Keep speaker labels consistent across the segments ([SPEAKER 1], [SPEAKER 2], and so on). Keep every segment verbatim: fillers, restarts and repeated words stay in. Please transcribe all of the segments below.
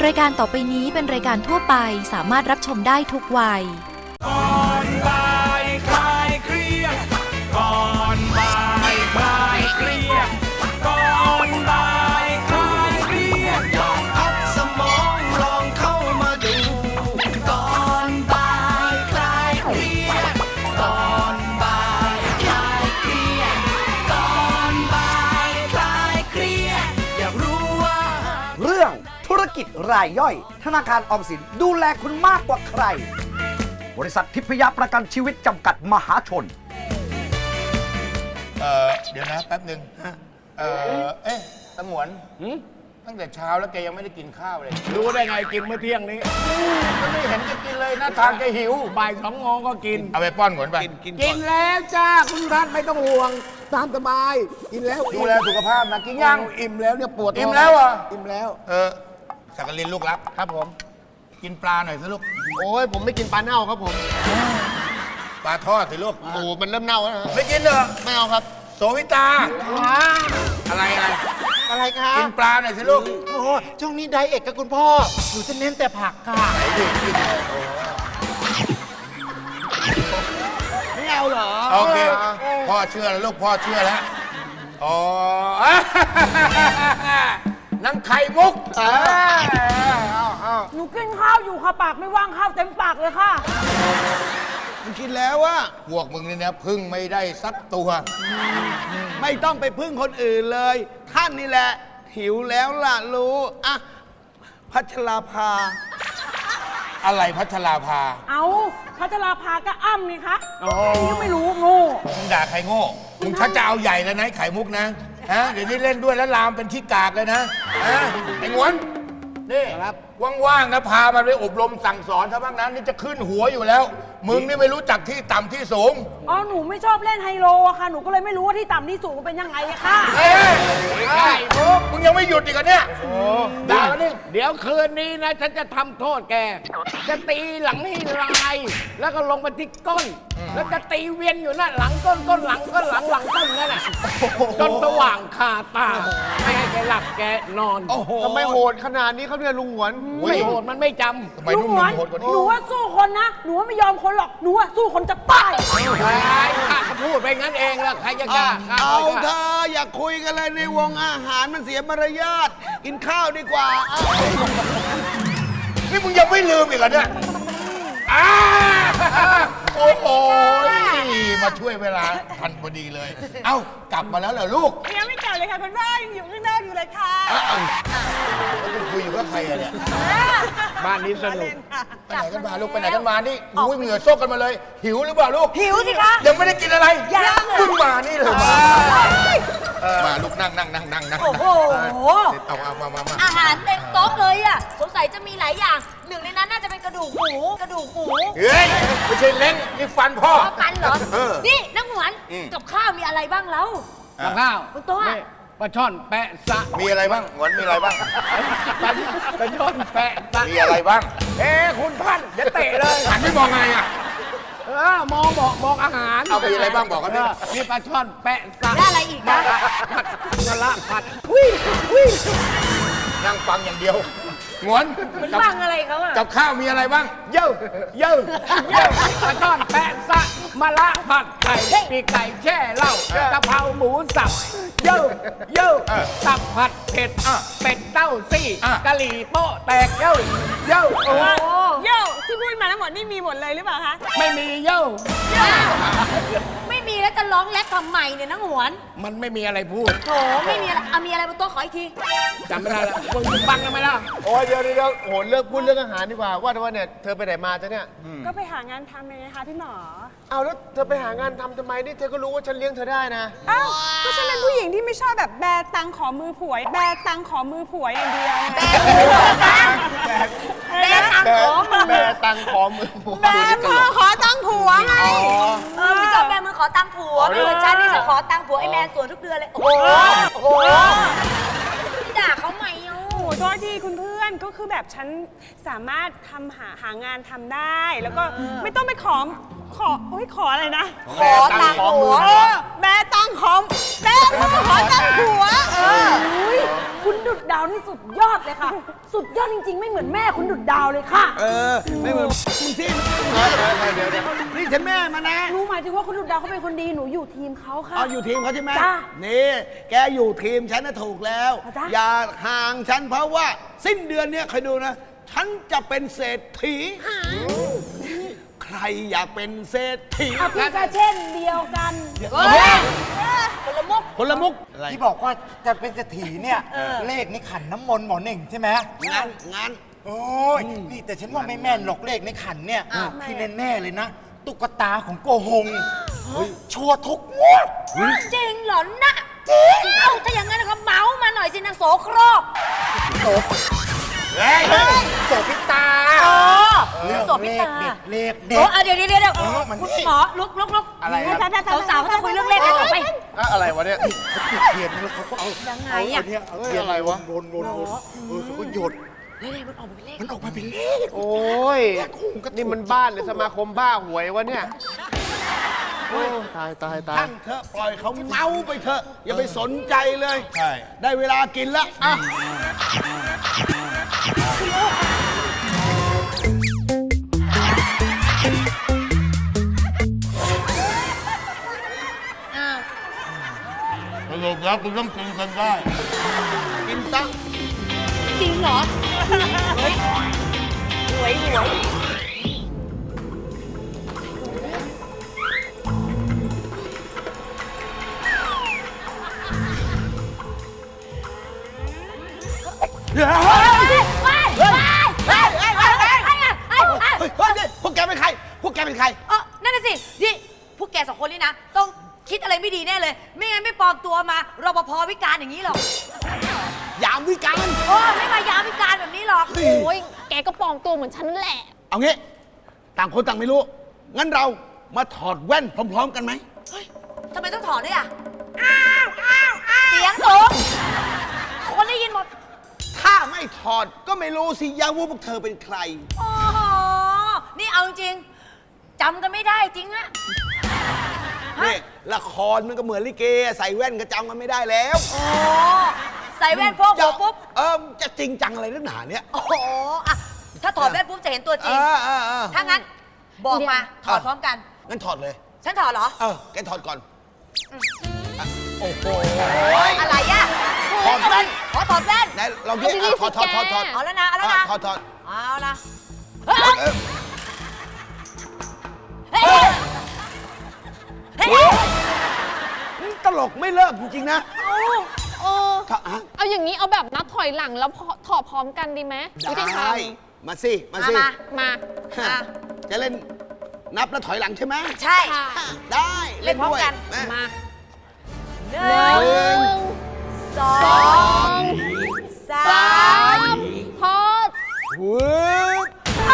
[SPEAKER 1] รายการต่อไปนี้เป็นรายการทั่วไปสามารถรับชมได้ทุกวัย
[SPEAKER 2] ก่อนบ่ายคลายเครียดก่อนบ่ายคลายเครียดก่อนบ่ายคลายเครียดลองพักสมองลองเข้ามาดูก่อนบ่ายคลายเครียดก่อนบ่ายคลายเครียดก่อนบ่ายคลายเครียดอยากรู้ว่า
[SPEAKER 3] เรื่องธุรกิจรายย่อยธนาคารออมสินดูแลคุณมากกว่าใครบริษัททิพยประกันชีวิตจำกัดมหาชน
[SPEAKER 4] เออเดี๋ยวนะแป๊บหนึ่งเออเอ๊ะสมวนตั้งแต่เช้าแล้วแกยังไม่ได้กินข้าวเลย
[SPEAKER 5] รู้ได้ไงกินเมื่อเที่ยงนี้
[SPEAKER 4] ก็ไม่เห็นจะกินเลยหน้าทางแกหิว
[SPEAKER 5] บ่ายสองโมงก็กิน
[SPEAKER 4] เอาไปป้อนหมวนไป
[SPEAKER 5] กินแล้วจ้าคุณท่านไม่ต้องห่วงตามสบายกินแล้ว
[SPEAKER 4] ดูแลสุขภาพนะกินยัง
[SPEAKER 5] อิ่มแล้วเนี่ยปวด
[SPEAKER 4] อิ่มแล้วอ่ะ
[SPEAKER 5] อิ่มแล้ว
[SPEAKER 4] เออสักกลินลูกรัก
[SPEAKER 5] ครับผม
[SPEAKER 4] กินปลาหน่อยสิลูก
[SPEAKER 5] โอ้ยผมไม่กินปลาเน่าครับผม
[SPEAKER 4] ปลาทอดสิลูก
[SPEAKER 5] โอ้มันเริ่มเน่าแล้ว
[SPEAKER 4] ไม่กินเหรอ
[SPEAKER 5] ไม่เอาครับ
[SPEAKER 4] โสวิตาอะไรอะไร
[SPEAKER 5] อะไรครับ
[SPEAKER 4] กินปลาหน่อยสิลูก
[SPEAKER 5] โอ้ช่วงนี้ไดเอทกับคุณพ่อหนูจะเน้นแต่ผักค่ะไม่เอาเหรอ
[SPEAKER 4] โอเคพ่อเชื่อแล้วลูกพ่อเชื่อแล้วอ๋อนังไข่มุก
[SPEAKER 6] หนูกินข้าวอยู่ค่ะปากไม่ว่างข้าวเต็มปากเลยค่ะ
[SPEAKER 5] มึงกินแล้ววะ
[SPEAKER 4] พวกมึงนี่นะพึ่งไม่ได้สักตัว
[SPEAKER 5] ไม่ต้องไปพึ่งคนอื่นเลยท่านนี่แหละหิวแล้วล่ะรู้อะพัชราภา
[SPEAKER 4] อะไรพัชราภา
[SPEAKER 6] เอาพัชราภาก็อ้ำนี่คะยังไม่รู้โง่
[SPEAKER 4] มึงด่าใครโง่มึงชักจะเอาใหญ่แล้วนะไข่มุกนะฮะเดี๋ยวนี้เล่นด้วยแล้วลามเป็นขี้กากเลยนะฮะไอ้งวนนี่ครับว่างๆนะพามันไปอบรมสั่งสอนซะบ้างนะนี่จะขึ้นหัวอยู่แล้วมึงนี่ไม่รู้จักที่ต่ำที่สูง
[SPEAKER 6] อ๋อหนูไม่ชอบเล่นไฮโลอะค่ะหนูก็เลยไม่รู้ว่าที่ต่ำที่สูงเป็นยังไงอะค่ะ
[SPEAKER 4] เอ้ยไอ้มุกมึงยังไม่หยุดอีกเหรอเนี่ยด่านี่
[SPEAKER 5] เดี๋ยวคืนนี้นะฉันจะทำโทษแกจะตีหลังให้ลายแล้วก็ลงไปที่ก้นแล้วจะตีเวียนอยู่นั่นหลังก้นก้นหลังก้นหลังหลังก้นนั่นแหละจนสว่างคาตาไม่ให้แกหลับแกนอน
[SPEAKER 7] ทำไมโหดขนาดนี้เขาเนี่ยลุงหวน
[SPEAKER 5] ไม่โหดมันไม่จำ
[SPEAKER 6] ลุงหวนหนูว่าสู้คนนะหนูว่าไม่ยอมคนหรอกหนูว่าสู้คนจะตาย
[SPEAKER 5] ข้าพูดไปงั้นเองแล้วใครจะกล้า
[SPEAKER 7] เอาเธออย่าคุยกันเลยในวงอาหารมันเสียมารยาทกินข้าวดีกว่า
[SPEAKER 4] นี่มึงยังไม่ลืมอีกเหรอเนี่ยโอ้โหมาช่วยเวลาทันพอดีเลยเอ้ากลับมาแล้วเหรอลูก
[SPEAKER 6] ยังไม่กลับเลยค่ะคุณพ่อยังอยู่ข้างนอกอยู่เลยค่ะ
[SPEAKER 4] คุณคุยอยู่กับใครอะเนี่ย
[SPEAKER 5] บ้านนี้สนุก
[SPEAKER 4] ไปไหนกันมาลูกไปไหนกันมานี่อุ้ยเหงื่อซกกันมาเลยหิวหรือเปล่าลูก
[SPEAKER 6] หิวสิคะ
[SPEAKER 4] ยังไม่ได้กินอะไร
[SPEAKER 6] ยัง
[SPEAKER 4] เพิ่งมานี่เลยมามาลูกนั่งนั่งนั่งนั่งนั่ง
[SPEAKER 6] โอ้โห
[SPEAKER 4] เอาเอามามา
[SPEAKER 8] อาหารเต็มโต๊ะเลยอ่ะสงสัยจะมีหลายอย่างหนึ่งในนั้นน่าจะเป็นกระดูกหมูกระดูกหมู
[SPEAKER 4] เฮ้ยไม่ใช่เล้งนี่ฟันพ่อ
[SPEAKER 8] ฟันเหรอนี่นักหวนกับข้าวมีอะไรบ้างแล้ว
[SPEAKER 5] กับข้าว
[SPEAKER 8] บนโต๊ะ
[SPEAKER 5] ปลาช่อนแปะซะ
[SPEAKER 4] มีอะไรบ้างหวนมีอะไรบ้าง
[SPEAKER 5] ปลาช่อนแปะซะ
[SPEAKER 4] มีอะไรบ้าง
[SPEAKER 5] เอ้คุณท่านอย่าเตะเลย
[SPEAKER 4] หันไม่มองไงอ่ะ
[SPEAKER 5] เออมองบอกบอกอาหาร
[SPEAKER 4] เอามีอะไรบ้างบอกกันดิ
[SPEAKER 5] มีปลาช่อนแปะซะ
[SPEAKER 8] ได้อะไรอีกนะ
[SPEAKER 5] ผัดมะละผัดวิ่งวิ่ง
[SPEAKER 4] นั่งฟังอย่างเดียวงวน
[SPEAKER 8] ฟังอะไรเขาอะ
[SPEAKER 4] กับข้าวมีอะไรบ้าง
[SPEAKER 5] เย่เย่เย่ปลาช่อนแปะซะมะละผัดไข่ปีกไก่แช่เหล้ากะเพราหมูสับเย่เย่ตับผัดเผ็ดเป็ดเต้าซี่กะหรี่โป๊ะแตกเย่เย่
[SPEAKER 6] โอ้เย่ที่พูดมาทั้งหมดนี่มีหมดเลยหรือเปล่าคะ
[SPEAKER 5] ไม่มีเย่
[SPEAKER 8] ไม่มีแล้วจะร้องแรปทำไมเนี่ยนักหวน
[SPEAKER 5] มันไม่มีอะไรพูด
[SPEAKER 8] โถไม่มีอะไรเอามีอะไรบนโต๊ะขออีกที
[SPEAKER 5] จำไม่ได้แล้วมึงบังทำไมล่ะ
[SPEAKER 7] โอ้ยเดี๋ยวเดี๋ยวโหเลิกพูดเรื่องอาหารดีกว่าว่าแต่ว่าเนี่ยเธอไปไหนมาจ๊ะเนี่ย
[SPEAKER 6] ก็ไปหางานทำไงคะพี่หมอ
[SPEAKER 7] เอาแล้วเธอไปหางานทำทำไมนี่เธอก็รู้ว่าฉันเลี้ยงเธอได้นะ
[SPEAKER 6] อ้าวก็ฉันเป็นผู้หญิงที่ไม่ชอบแบบแบตังขอมือผัวแบตังขอมือผัวอย่างเดียว
[SPEAKER 8] แบตังขอมือ
[SPEAKER 7] แบตังขอมือผัว
[SPEAKER 6] แบมือขอตังผัวไง
[SPEAKER 8] เออไม่ชอบแบมือขอตังผัวไม่เหมือนฉันนี่จะขอตังผัวไอ้แมนสวนทุกเดือนเลยโอ้โหโอ้โหพี่ด่าเขาไหมอ่ะ
[SPEAKER 6] โอ้โทษทีคุณเพื่อนก็คือแบบฉันสามารถทำหาหางานทำได้แล้วก็ไม่ต้องไปขอขอโอ้ยขออะไรนะ
[SPEAKER 8] ขอตังค์ผัว
[SPEAKER 6] เออแม่ตั้งขอมแม่ขอตั้งผัวเออ
[SPEAKER 8] อุ๊ยคุณดุดดาวนี่สุดยอดเลยค่ะ สุดยอดจริงๆ ไม่เหมือนแม่คุณดุดดาวเลยค่ะ
[SPEAKER 7] เออ ไม่เหมือนมึงที่นี่ฉันแม่มานะ
[SPEAKER 8] หนูหมายถึงว่าคุณดุดดาวเขาเป็นคนดีหนูอยู่ทีมเขาค่ะ
[SPEAKER 7] เอาอยู่ทีมเขาใช่ไหม
[SPEAKER 8] จ้ะ
[SPEAKER 7] นี่แกอยู่ทีมฉันน่ะถูกแล้ว
[SPEAKER 8] อ่ะจ๊ะ
[SPEAKER 7] อย่าห่างฉันเพราะว่าสิ้นเดือนเนี้ยคอยดูนะ ฉันจะเป็นเศรษฐี ใครอยากเป็นเศรษฐี
[SPEAKER 8] อ่ะพี่ก็เช่นเดียวกัน
[SPEAKER 7] คนละมุกคนละมุกอะไร
[SPEAKER 9] ที่บอกว่าจะเป็นเศรษฐีเนี่ย เลขในขันน้ำมนต์หมอเน่งใช่ไหม
[SPEAKER 7] งานงาน
[SPEAKER 9] โอ้ยนี่แต่ฉันว่าไม่แม่นหรอกเลขในขันเนี่ย ที่แน่ๆเลยนะ ตุ๊กตาของโกหงชัวร์ทุกงวด
[SPEAKER 8] จริงเหรอนะจริงเอ้าถ้าอย่างนั้นก็เมาส์มาหน่อยสินางโสโครก
[SPEAKER 9] เฮ้ยโสพิตา
[SPEAKER 8] อ๋อ
[SPEAKER 9] เรื่อง
[SPEAKER 8] โสพิ
[SPEAKER 9] เลข
[SPEAKER 8] ตา
[SPEAKER 9] เด็ดเลขเด็
[SPEAKER 8] โอ้
[SPEAKER 9] ด
[SPEAKER 8] อ่ะเดี๋ยวเดี๋ยวเดี๋ยว
[SPEAKER 9] เออมัน
[SPEAKER 8] คุณ
[SPEAKER 9] นี่
[SPEAKER 8] หมอลุกลุกลุก
[SPEAKER 9] อะไรอะ
[SPEAKER 8] สาวๆเขาจะคุยเรื่องเลขกันต่อไป
[SPEAKER 7] อะไรวะเนี่ย
[SPEAKER 9] เขาจุดเทียนนะแล้วเขาก็เอา
[SPEAKER 8] ยังไง
[SPEAKER 9] เอา
[SPEAKER 8] อ่ะ
[SPEAKER 9] เนี่ยเอาเทียนอะไรวะวนวนวนเออเขาก็หยด
[SPEAKER 8] เลขมันออกมาเป็นเลข
[SPEAKER 9] มันออกมาเป็นเลข
[SPEAKER 5] โอ้ย นี่มันบ้านหรือสมาคมบ้าหวยวะเนี่ย โอ้ตายตายตาย
[SPEAKER 7] ท่านเถอะปล่อยเขาเมาไปเถอะ อย่าไปสนใจเลย
[SPEAKER 4] ใช่
[SPEAKER 7] ได้เวลากินแล้วอ่ะ
[SPEAKER 8] อ้าว
[SPEAKER 4] สรุปแล้วคุณต้องกินกันได้
[SPEAKER 7] กินซะ
[SPEAKER 8] จริงเหรอ เฮ้ยหวยหวย
[SPEAKER 7] เฮ้ย
[SPEAKER 8] ว้ายว้ายว้ายว้ายว้ายว้ายว้ายว้าย
[SPEAKER 7] เฮ้ยเฮ้ยนี่พวกแกเป็นใคร พวกแกเป็นใคร
[SPEAKER 8] เออนั่นน่ะสินี่พวกแกสองคนนี่นะ ต้องคิดอะไรไม่ดีแน่เลย ไม่งั้นไม่ปลอมตัวมารปภวิการอย่างนี้หรอก
[SPEAKER 7] ยามวิการ
[SPEAKER 8] โอ้ไม่มายามวิการแบบนี้หรอก
[SPEAKER 6] โอ้ยแกก็ปลอมตัวเหมือนฉันนั่นแหละ
[SPEAKER 7] เอางี้ ต่างคนต่างไม่รู้ งั้นเรามาถอดแว่นพร้อม ๆ กันไหม
[SPEAKER 8] เฮ้ยทำไมต้องถอดด้วยอ่ะ อ้าวอ้าวอ้าวเสียงสูงคนได้ยินหมด
[SPEAKER 7] ถ้าไม่ถอดก็ไม่รู้สิยาว่าพวกเธอเป็นใคร
[SPEAKER 8] โอ้โห นี่เอาจริงๆจำกันไม่ได้จริงอะ
[SPEAKER 7] นี่ละครมันก็เหมือนลิเก ใส่แว่นก็จำกันไม่ได้แล้ว
[SPEAKER 8] โอ้ใส่แว่นพวกหัวปุ๊บ
[SPEAKER 7] เออจะจริงจังอะไรนักหนาเนี่ย
[SPEAKER 8] โอ้โหอะถ้าถอดแว่นปุ๊บจะเห็นตัวจ
[SPEAKER 7] เอ
[SPEAKER 8] ริง
[SPEAKER 7] อเออเออ
[SPEAKER 8] ถ้างั้น บอกมา ถอดพร้อมกัน
[SPEAKER 7] งั้นถอดเลย
[SPEAKER 8] ฉันถอดเหรอ
[SPEAKER 7] เออ แกถอดก่อนอ่ะโอ้โห
[SPEAKER 8] อะไรอะ
[SPEAKER 7] ถอดแว่น
[SPEAKER 8] ขอถอดแว่น
[SPEAKER 7] ไหนลองดิอ่ะถอดถอดถอดถอด
[SPEAKER 8] เอาแล้วนะ เอาแล้วนะ
[SPEAKER 7] ถอดถอด
[SPEAKER 8] เอาละ
[SPEAKER 7] เออ
[SPEAKER 8] เฮ้ยเฮ้ย
[SPEAKER 7] ตลกไม่เลิกจริง ๆ นะ
[SPEAKER 6] โอ้
[SPEAKER 7] ถ้าอ่ะ
[SPEAKER 6] เอาอย่างนี้เอาแบบนับถอยหลังแล้วพอถอดพร้อมกันดีไหมวิธีท
[SPEAKER 7] ได้ มาสิ มา
[SPEAKER 8] มา
[SPEAKER 7] สิ
[SPEAKER 8] มา
[SPEAKER 6] ำมา
[SPEAKER 7] ฮะจะเล่นนับแล้วถอยหลังใช่ไหม
[SPEAKER 8] ใช่
[SPEAKER 6] ค่ะ
[SPEAKER 7] ได้
[SPEAKER 8] เล่นพร้อมกัน
[SPEAKER 7] ด้วย
[SPEAKER 6] มา
[SPEAKER 8] หนึ่ง
[SPEAKER 7] หนึ่ง
[SPEAKER 8] สอ
[SPEAKER 7] สอง ง
[SPEAKER 8] สา
[SPEAKER 7] สาม ม
[SPEAKER 6] พอด
[SPEAKER 7] วึบ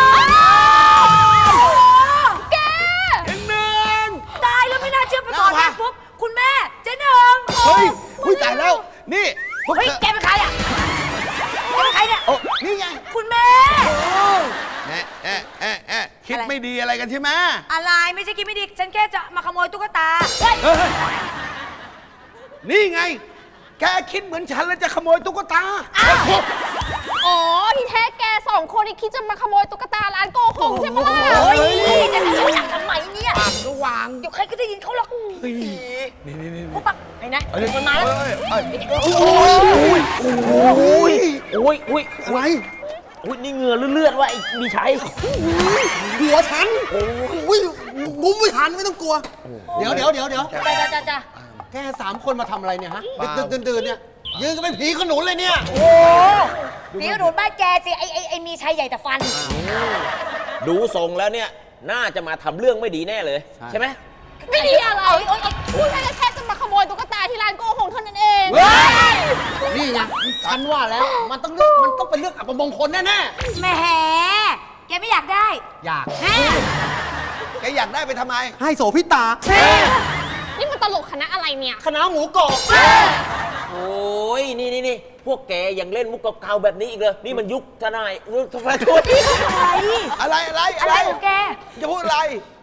[SPEAKER 6] แก
[SPEAKER 7] หนึ่ง
[SPEAKER 8] ตายแล้วไม่น่าเชื่อพอถอด
[SPEAKER 7] แล้ว
[SPEAKER 8] แว่น
[SPEAKER 7] วะ
[SPEAKER 8] ปุ๊บ คุณแม่เจ๊หนึ่ง
[SPEAKER 7] เฮ้ยอุ้ยตายแล้ว นี่ พวก
[SPEAKER 8] เฮ้ย
[SPEAKER 7] เธอ
[SPEAKER 8] แกเป็นใครอ่ะแกเป็นใครเนี่ย
[SPEAKER 7] โอ้นี่ไง
[SPEAKER 8] คุณแม่
[SPEAKER 7] แอะแอะแอะแอะคิด
[SPEAKER 8] อะไร
[SPEAKER 7] ไม่ดีอะไรกันใช่ไหม
[SPEAKER 8] อะไรไม่ใช่คิดไม่ดี ฉันแค่จะมาขโมยตุ๊กตา เฮ้ย
[SPEAKER 7] เฮ้ยนี่ไง แกคิดเหมือนฉันแล้วจะขโมยตุ๊กตา
[SPEAKER 6] อ๋อ ที่แท้แกสองคนนี่คิดจะมาขโมยตุ๊กตาร้านโกหงใช่ปะล่ะ
[SPEAKER 8] โอ้ยจะทำอย่างทำไมเนี่ย
[SPEAKER 7] ปากก็วาง
[SPEAKER 8] เดี๋ยวใครก็ได้ยินเขาหรอก
[SPEAKER 7] นี่
[SPEAKER 8] นี่นี่พวกปักไหนนะ
[SPEAKER 7] เอ้ย
[SPEAKER 8] มันมาแล้ว
[SPEAKER 7] เอ้ยเอ้ย
[SPEAKER 10] โอ้ยโอ้ยโอ้ยโอ้ย
[SPEAKER 7] อะไร
[SPEAKER 10] โอ้ยนี่เหงื่อเลือดๆว่ะไอ้มีชัย
[SPEAKER 3] หัวฉัน โอ้ยงุ้มไม่ทันไม่ต้องกลัว เดี๋ยวเดี๋ยวเดี๋ยวเดี๋ยว
[SPEAKER 8] จ้าจ้าจ้าจ้า
[SPEAKER 3] แกสามคนมาทำอะไรเนี่ยฮะดึกๆดื่นๆเนี่ย ยืนกันเป็นผีขนุนเลยเนี่ย
[SPEAKER 8] โอ้นี่กระโดดบ้านแกสิ ไอไอไอมีชัยใหญ่แต่ฟัน
[SPEAKER 10] ดูทรงแล้วเนี่ย น่าจะมาทำเรื่องไม่ดีแน่เลย ใช่ไหม
[SPEAKER 6] ไม่ดีอะไรพูดแค่แค่จะมาขโมยตุ๊กตาที่ร้านโกหงเท่านั้นเอง
[SPEAKER 3] นี่ไงฉันว่าแล้ว มันต้องเลือกมันต้องเป็นเรื่องอัปมงคลแน่
[SPEAKER 8] แหมแกไม่อยากได้
[SPEAKER 3] ๆ อยาก
[SPEAKER 8] แม่
[SPEAKER 7] แกอยากได้ไปทำไม
[SPEAKER 3] ให้โสพิตา
[SPEAKER 6] นี่มันตลกคณะอะไรเนี่ย
[SPEAKER 3] คณะหมูกรอบ
[SPEAKER 10] โอ้ยนี่นี่นี่พวกแกยังเล่นมุกเก่าๆแบบนี้อีกเลย นี่มันยุคทนายยุคทนายโทษ
[SPEAKER 8] อะไร
[SPEAKER 7] อะไรอะไร
[SPEAKER 8] อะไรของแก
[SPEAKER 7] จะพูดอะไร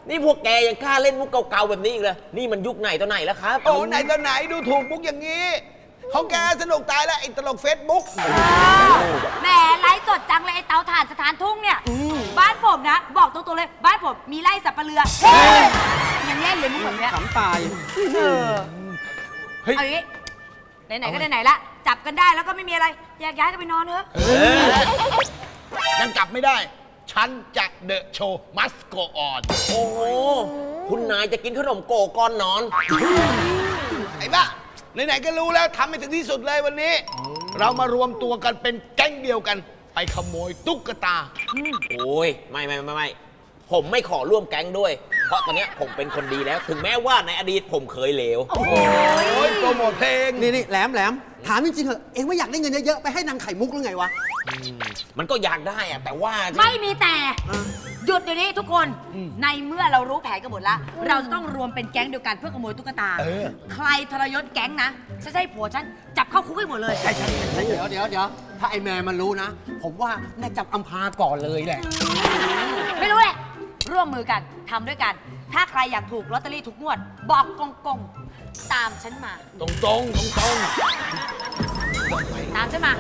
[SPEAKER 10] นี่พวกแกยังกล้าเล่นมุกเก่าๆแบบนี้อีกเลยนี่มันยุคไหนต่อไหนแล้วครับ
[SPEAKER 7] โอ้ไหนตอนไหนดูถูกมุกอย่างนี้ของแกสนุกตายแล้วไอ้ตลกเฟซบุ๊ก
[SPEAKER 8] แหมไลฟ์สดจังเลยไอ้เตาถ่านสถานทุ่งเนี่ย บ้านผมนะ บอกตรงๆเลย บ้านผมมีไร่สับปะเรือยังเล่นเลยมุกแบบเนี้ย
[SPEAKER 3] ขำตาย
[SPEAKER 8] เออเอาอย่างนี้ไหนๆก็ไหนๆละจับกันได้แล้วก็ไม่มีอะไรแยกย้ายกันไปนอนเถอะ
[SPEAKER 7] ยังกลับไม่ได้ ฉันจะเดอะโชว์มัสโกออน
[SPEAKER 10] โอ้โหคุณนายจะกินขนมโกก่อนนอน
[SPEAKER 7] ไอ้บ้าไหนๆก็รู้แล้วทำให้ถึงที่สุดเลยวันนี้ เรามารวมตัวกันเป็นแก๊งเดียวกัน ไปขโมยตุ๊กตา
[SPEAKER 10] โอ้ยไม่ไม่ไม่ไม่ผมไม่ขอร่วมแก๊งด้วย เพราะตอนเนี้ยผมเป็นคนดีแล้ว ถึงแม้ว่าในอดีตผมเคยเลว
[SPEAKER 7] โอ้ยโปรโมทเพลง
[SPEAKER 3] นี่นี่แหลมแหลมถามจริงๆเหอะเอ็งไม่อยากได้เงินเยอะๆ ไปให้นางไข่มุกหรือไงวะ
[SPEAKER 10] มันก็อยากได้อะแต่ว่า
[SPEAKER 8] ไม่มีแต่ หยุดเดี๋ยวนี้ทุกคนในเมื่อเรารู้แผนกันหมดแล้วเราจะต้องรวมเป็นแก๊งเดียวกันเพื่อขโมยตุ๊กตา ใครทรยศแก๊งนะฉันจะให้ผัวฉันจับเข้าคุกให้หมดเลย
[SPEAKER 3] เดี๋ยวเดี๋ยวเดี๋ยวถ้าไอ้แม่มันรู้นะ ผมว่าน่าจับอัมพาก่อนเลยแหละ
[SPEAKER 8] ไม่รู้แหละ ร่วมมือกันทำด้วยกัน ถ้าใครอยากถูกลอตเตอรี่ทุกงวด บอกกงกงๆตามฉันมา
[SPEAKER 7] ตรงตรงตรงตรง
[SPEAKER 8] ตามฉันมา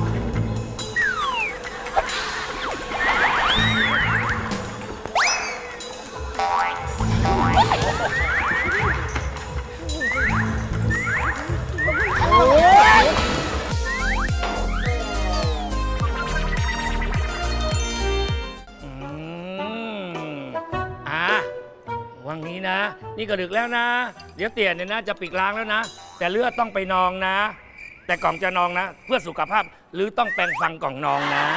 [SPEAKER 5] อ่ะวังนี้นะ นี่ก็ดึกแล้วนะ เดี๋ยวเตี่ยเนี่ยนะจะปิดร้านแล้วนะ แต่เลือดต้องไปนองนะ แต่กล่องจะนองนะ เพื่อสุขภาพหรือต้องแปรงฟันกล่องนองนะ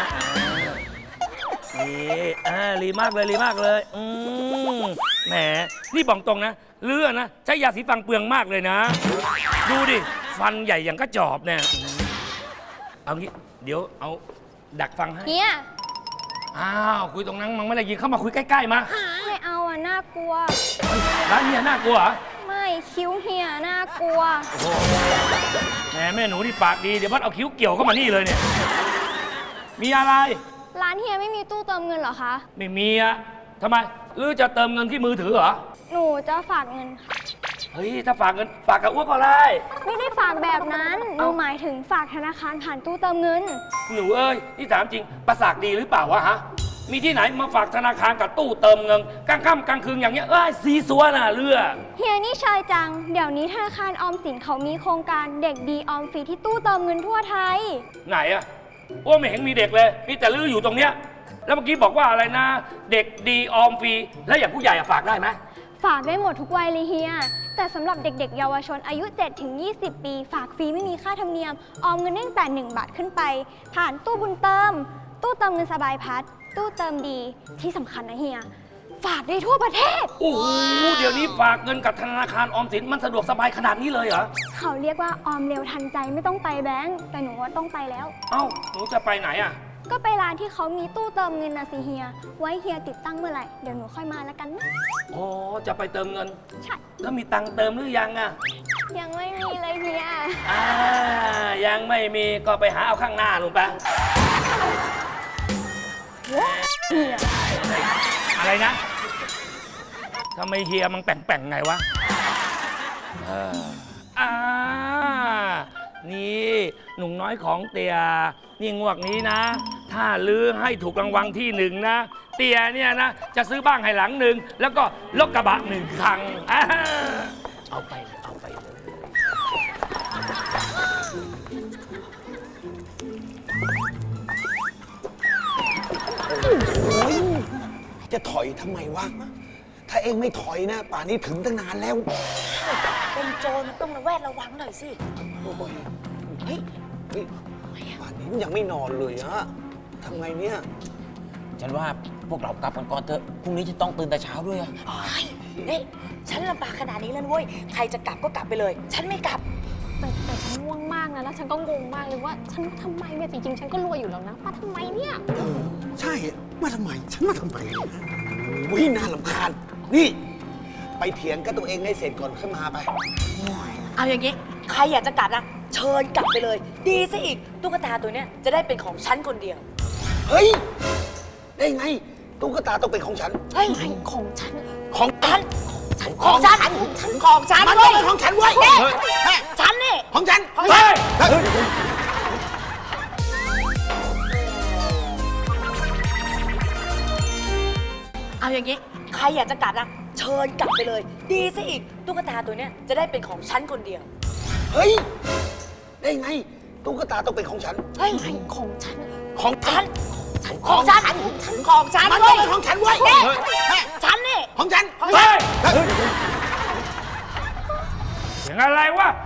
[SPEAKER 5] นี่อ่ารีมากเลยรีมากเลยอืมแหมนี่บอกตรงนะเลือดนะใช้ยาสีฟันเปลืองมากเลยนะ ดูดิฟันใหญ่อย่างกระจอบเนี่ยเอางี้เดี๋ยวเอาดักฟังให้
[SPEAKER 11] เฮีย
[SPEAKER 5] อ้าวคุยตรงนั้นมันไม่ได้ยินเข้ามาคุยใกล้ๆมา
[SPEAKER 11] ไม่เอาอ่ะ น่ากลัว
[SPEAKER 5] ร้านเฮียน่ากลัวเหรอ
[SPEAKER 11] ไม่คิ้วเฮียน่ากลัว
[SPEAKER 5] แหมแม่หนูนี่ปากดีเดี๋ยวพัดเอาคิ้วเกี่ยวเข้ามานี่เลยเนี่ยมีอะไร
[SPEAKER 11] ร้านเฮียไม่มีตู้เติมเงินเหรอคะ
[SPEAKER 5] ไม่มีอะทำไมหรือจะเติมเงินที่มือถือเหรอ
[SPEAKER 11] หนูจะฝากเงินค่ะ
[SPEAKER 5] เฮ้ยถ้าฝากเงินฝากกับอ้วกก็ได้
[SPEAKER 11] ไม่ได้ฝากแบบนั้น หนูหมายถึงฝากธนาคารผ่านตู้เติมเงิน
[SPEAKER 5] หนูเอ้ยที่ถามจริงประสาทดีหรือเปล่าวะฮะมีที่ไหนมาฝากธนาคารกับตู้เติมเงินกลางค่ำกลางคืนอย่างเงี้ยเอ้ยซีซัวน่ะเรือ
[SPEAKER 11] เฮียนี่ชายจัง เดี๋ยวนี้ธนาคารออมสินเขามีโครงการเด็กดีออมฟรีที่ตู้เติมเงินทั่วไทย
[SPEAKER 5] ไหนอะอ้วไม่เห็นมีเด็กเลยมีแต่ลืออยู่ตรงเนี้ยแล้วเมื่อกี้บอกว่าอะไรนะ เด็กดีออมฟรีแล้วอย่างผู้ใหญ่อะฝากได้ไหม
[SPEAKER 11] ฝากได้หมดทุกวัยเลยเฮีย แต่สำหรับเด็กๆ เยาวชนอายุ เจ็ดถึงยี่สิบ ปี ฝากฟรีไม่มีค่าธรรมเนียม ออมเงินได้ตั้งแต่หนึ่งบาทขึ้นไป ผ่านตู้บุญเติม ตู้เติมเงินสบายพัด ตู้เติมดี ที่สำคัญนะเฮีย ฝากได้ทั่วประเทศ
[SPEAKER 5] โอ้โหเดี๋ยวนี้ฝากเงินกับธนาคารออมสินมันสะดวกสบายขนาดนี้เลยเหรอ
[SPEAKER 11] เขาเรียกว่าออมเร็วทันใจไม่ต้องไปแบงก์แต่หนูว่าต้องไปแล้ว
[SPEAKER 5] เอ้าหนูจะไปไหนอะ
[SPEAKER 11] ก็ไปร้านที่เขามีตู้เติมเงินนะสิเฮีย ไว้เฮียติดตั้งเมื่อไหร่ เดี๋ยวหนูค่อยมาแล้วกันนะ
[SPEAKER 5] อ๋อจะไปเติมเงิน
[SPEAKER 11] ใช่
[SPEAKER 5] แล้วมีตังค์เติมหรือยังอะ
[SPEAKER 11] ยังไม่มีเลยเฮีย
[SPEAKER 5] อ่ายังไม่มีก็ไปหาเอาข้างหน้าลุงไปอะไรนะทำไมเฮียมันแป่งๆไงวะเอออ่านี่หนุ่มน้อยของเตียนี่งวกนี้นะ ถ้าลือให้ถูกรางวัลที่หนึ่งนะ เตียเนี่ยนะ จะซื้อบ้านให้หลังหนึ่งแล้วก็รถกระบะหนึ่งคันอ่าเอาไปเลยเอาไปเลย
[SPEAKER 7] จะถอยทำไมวะ ถ้าเองไม่ถอยนะ ป่านนี้ถึงตั้งนานแล้ว
[SPEAKER 8] เป็นโจรมันต้องระแวดระวังหน่อยสิ
[SPEAKER 7] เฮ้ยเฮ้ยป่านนี้มันยังไม่นอนเลยอะทำไงเนี่ย
[SPEAKER 10] ฉันว่าพวกเรากลับกันก่อนเถอะพรุ่งนี้จะต้องตื่นแต่เช้าด้วยอะ
[SPEAKER 8] นี่ฉันลำบากขนาดนี้แล้วเว้ย ใครจะกลับก็กลับไปเลย ฉันไม่กลับ
[SPEAKER 11] แต่แต่ฉันง่วงมากนะ แล้วฉันก็งงมากเลยว่า ฉันมาทำไมเนี่ย จริงๆ ฉันก็รวยอยู่แล้วนะ มาทำไมเนี่ย
[SPEAKER 3] ใช่ มาทำไม ฉันมาทำไมเนี่ย
[SPEAKER 7] วิน่ารำคาญ นี่ ไปเถียงกับตัวเองให้เสร็จก่อนขึ้นมาไป
[SPEAKER 8] เอาอย่างนี้ ใครอยากจะกลับนะ เชิญกลับไปเลย ดีซะอีก ตุ๊กตาตัวเนี้ยจะได้เป็นของฉันคนเดียว
[SPEAKER 7] เฮ้ย ได้ไง ตุ๊กตาต้องเป็นของฉัน
[SPEAKER 8] เฮ้ย ของฉัน
[SPEAKER 7] ของฉัน
[SPEAKER 8] ของฉัน ของฉัน
[SPEAKER 7] มัน
[SPEAKER 8] เว้
[SPEAKER 7] ต้อย งเป็นของฉันเว้ย
[SPEAKER 8] นี่
[SPEAKER 7] เฮ้ย
[SPEAKER 8] ฉันนี่
[SPEAKER 7] ของฉัน
[SPEAKER 8] ของฉัน
[SPEAKER 7] เฮ้ย
[SPEAKER 8] เอาอย่างนี้ ใครอยากจะกลับนะเชิญกลับไปเลย ดีซะอีก ตุ๊กตาตัวเนี้ยจะได้เป็นของฉันคนเดียว
[SPEAKER 7] เฮ้ย ได้ไง ตุ๊กตาต้องเป็นของฉัน
[SPEAKER 8] เฮ้ย ของฉัน
[SPEAKER 7] ของ
[SPEAKER 8] ฉัน ของฉัน ของฉัน
[SPEAKER 7] มัน
[SPEAKER 8] เว้
[SPEAKER 7] ต้อย งเป็นของฉันเว้ย
[SPEAKER 8] นี่
[SPEAKER 7] เฮ้ย
[SPEAKER 8] ฉันนี่
[SPEAKER 7] ของฉัน
[SPEAKER 8] ของฉัน
[SPEAKER 7] เฮ้ย
[SPEAKER 5] เสียงอะไรวะ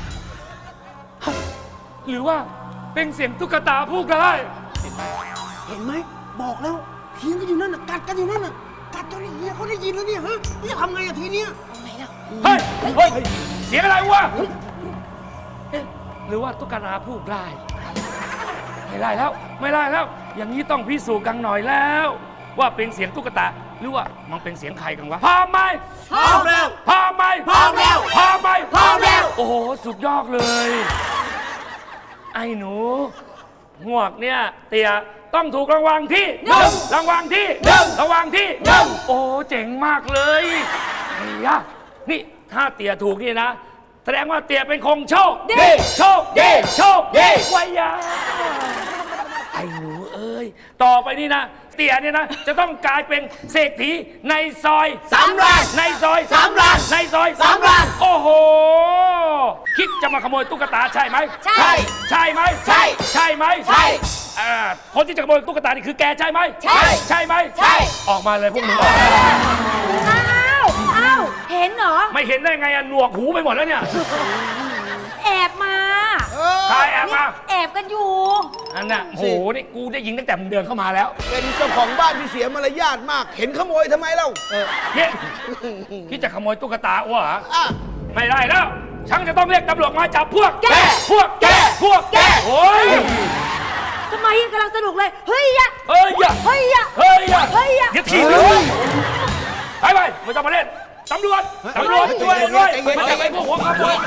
[SPEAKER 5] หรือว่าเป็นเสียงตุ๊กตาพูดได้
[SPEAKER 7] เห็นไหม บอกแล้วเถียงกันอยู่นั่นน่ะ กัดกันอยู่นั่นน่ะ กัดจนเฮียเขาได้ยินแล้วเนี่ยฮะนี่จะทำไงอะทีเนี้ย
[SPEAKER 5] เฮ้ย เฮ้ย เสียงอะไรวะเอ๊ะหรือว่าตุ๊กตาพูดได้ ไม่ได้แล้ว ไม่ได้แล้ว อย่างนี้ต้องพิสูจน์กันหน่อยแล้ว ว่าเป็นเสียงตุ๊กตา หรือว่ามันเป็นเสียงใครกันวะพร้อมไหม
[SPEAKER 7] พร้อมแล้ว
[SPEAKER 5] พร้อมไหม
[SPEAKER 7] พร้อมแล้ว
[SPEAKER 5] พร้อมไหม
[SPEAKER 7] พร้อมแล้ว
[SPEAKER 5] โอ้โห สุดยอดเลย ไอ้หนูหวกเนี่ย เตี่ยต้องถูกรางวัลที่หนึ่งรางวัลที่หนึ่งรางวัลที่หนึ่งโอ้เจ๋งมากเลยไอ้ยะนี่ถ้าเตี่ยถูกนี่นะ แสดงว่าเตี่ยเป็นคงโชคดีโชคดีโชคดีไว้ยาไอ้หนูเอ้ย ต่อไปนี่นะ เตี่ยเนี่ยนะ จะต้องกลายเป็นเศรษฐีในซอย
[SPEAKER 7] สามล้าน
[SPEAKER 5] ในซอย
[SPEAKER 7] สามล้าน
[SPEAKER 5] ในซอย
[SPEAKER 7] สามล้าน
[SPEAKER 5] โอ้โห คิดจะมาขโมยตุ๊กตาใช่ไหม
[SPEAKER 8] ใช่
[SPEAKER 5] ใช่ไหม
[SPEAKER 7] ใช่
[SPEAKER 5] ใช่ไหม
[SPEAKER 7] ใช่
[SPEAKER 5] อ่าคนที่จะขโมยตุ๊กตานี่คือแกใช่ไหม
[SPEAKER 8] ใช่
[SPEAKER 5] ใช่ไหม
[SPEAKER 8] ใช่
[SPEAKER 5] ออกมาเลยพวกมึงออกมา
[SPEAKER 8] อ้าวอ้าวเห็นเหรอ
[SPEAKER 5] ไม่เห็นได้ไงอะหนวกหูไปหมดแล้วเนี่ย
[SPEAKER 8] แอบมา
[SPEAKER 5] ใครแอบมา
[SPEAKER 8] แอบกันอยู่
[SPEAKER 5] อันน่ะโหนี่กูได้ยินตั้งแต่มึงเดินเข้ามาแล้ว
[SPEAKER 7] เป็นเจ้าของบ้านที่เสียมารยาทมาก เห็นขโมยทำไมเล่า
[SPEAKER 5] เนี่ยคิดจะขโมยตุ๊กตาอ้วเหรอ
[SPEAKER 7] อ่ะ
[SPEAKER 5] ไม่ได้แล้ว ฉันจะต้องเรียกตำรวจมาจับพวก
[SPEAKER 8] แก
[SPEAKER 5] พวกแก พวกแก โอ้ย
[SPEAKER 8] ทำไมกำลังสนุกเลย เฮ้ยอะ
[SPEAKER 5] เฮ้ยอย่า
[SPEAKER 8] เฮ้ยอะ
[SPEAKER 5] เฮ้ยอย่า
[SPEAKER 8] เฮ้ยอะ
[SPEAKER 5] เดี๋ยวถีบเลยไปไปไม่ต้องมาเล่น ตำรวจ ตำรวจช่วยด้วยมาจับไอ้พวกหัวขโมย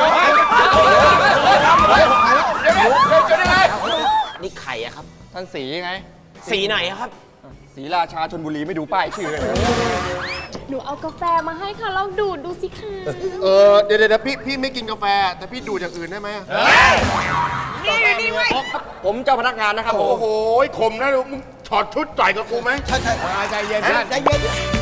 [SPEAKER 10] นี่ไข่อะครับ
[SPEAKER 12] ท่านสีไง
[SPEAKER 10] สีไหนอะครับ
[SPEAKER 12] สีราชาชนบุรีไม่ดูป้ายชื่อเลย
[SPEAKER 11] หนูเอากาแฟมาให้ค่ะ ลองดูดดูสิคะ
[SPEAKER 12] เออเดี๋ยวเดี๋ยวพี่พี่ไม่กินกาแฟ แต่พี่ดูดอย่างอื่นได้ไหม
[SPEAKER 8] นี่นี่เว้ย
[SPEAKER 12] ผมเจ้าพนักงานนะครับผม
[SPEAKER 4] โอ้โหข่มนะลูกมึงถอดชุดต่อยกับกูไหม
[SPEAKER 7] ใช่ใช่ใจเย็นใจเย็น